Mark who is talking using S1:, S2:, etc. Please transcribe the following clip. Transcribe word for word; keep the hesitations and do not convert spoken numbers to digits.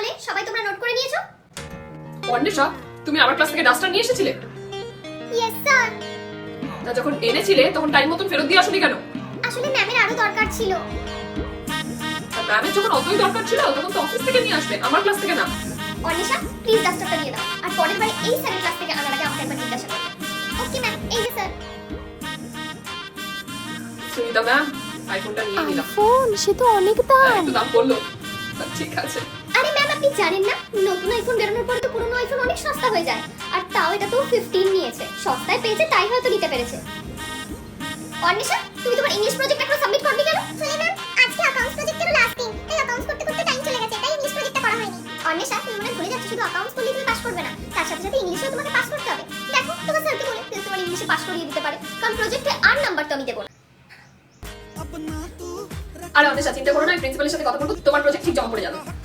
S1: হবে সবাই তোমরা নোট করে নিয়েছো?
S2: অন্বেষা, তুমি আমার ক্লাস থেকে ডাস্টার নিয়ে এসেছিলে?
S1: Yes sir.
S2: তা যখন এনেছিলে তখন টাইম মতন ফেরত দিয়ে আসোনি কেন?
S1: আসলে ম্যামের আরো দরকার ছিল।
S2: ম্যামের যখন অতই দরকার ছিল তখন তো অফিস থেকে নিয়ে আসবে, আমার ক্লাস থেকে না।
S1: অনিশা প্লিজ ডাস্টারটা দিয়ে দাও, আর পরের বারে এই স্যারের ক্লাস থেকে আনার আগে আমাকে একবার জিজ্ঞাসা করবে। ওকে ম্যাম, এই যে স্যার।
S2: সুনিতা ম্যাম, আইফোনটা নিয়ে নিলাম।
S3: আইফোন, সে তো অনেক দাম।
S2: একটু দাম পড়লো, ঠিক আছে।
S1: আরে ম্যাম আপনি জানেন না, নতুন আইফোন বেরোনোর পরে তো পুরনো আইফোন অনেক সস্তা হয়ে যায়, আর তাও এটা তো পনেরো নিয়েছে, সস্তায় পেয়েছে তাই হয়তো নিতে পেরেছে। অনিশা তুমি তোমার ইংলিশ প্রজেক্ট এখন সাবমিট করবে কেন? চলে ম্যাম, আজকে অ্যাকাউন্টস প্রজেক্টের লাস্ট দিন, তাই অ্যাকাউন্টস করতে করতে টাইম চলে গেছে, তাই ইংলিশ প্রজেক্টটা করা হয়নি। অনিশা তুমি মনে ভুলে যাচ্ছ, শুধু অ্যাকাউন্টস করলেই তুমি পাস করবে না, তার সাথে সাথে ইংলিশেও তোমাকে পাস করতে হবে। দেখো তোমার স্যারকে বলে প্লিজ তোমার ইংলিশে পাস করিয়ে দিতে পারে, কারণ প্রজেক্টে আর নাম্বার তো আমি দেব না।
S2: আরে অন্বেষা, চিন্তা করো না, প্রিন্সিপালের সাথে কথা বলবো, তোমার প্রজেক্ট ঠিক জমা পড়ে যাবে।